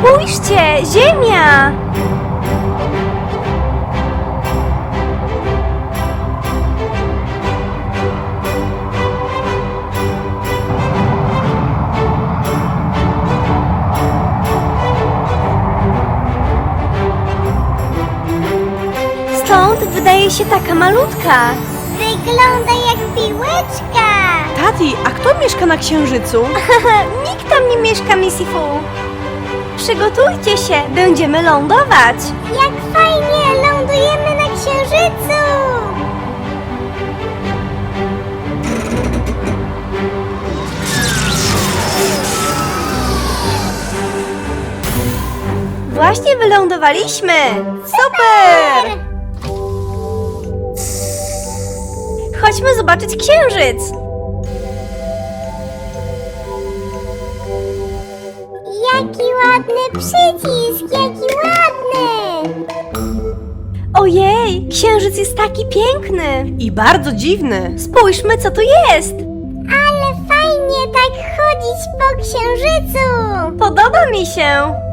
Spójrzcie, Ziemia! Stąd wydaje się taka malutka. Wygląda jak piłeczka. Tati, a kto mieszka na Księżycu? Nikt tam nie mieszka, Missy Fu. Przygotujcie się, będziemy lądować. Jak fajnie, lądujemy na Księżycu. Właśnie wylądowaliśmy. Super! Chodźmy zobaczyć Księżyc. Jaki ładny przycisk, jaki ładny. Ojej, Księżyc jest taki piękny. I bardzo dziwny. Spójrzmy, co tu jest. Ale fajnie tak chodzić po Księżycu. Podoba mi się.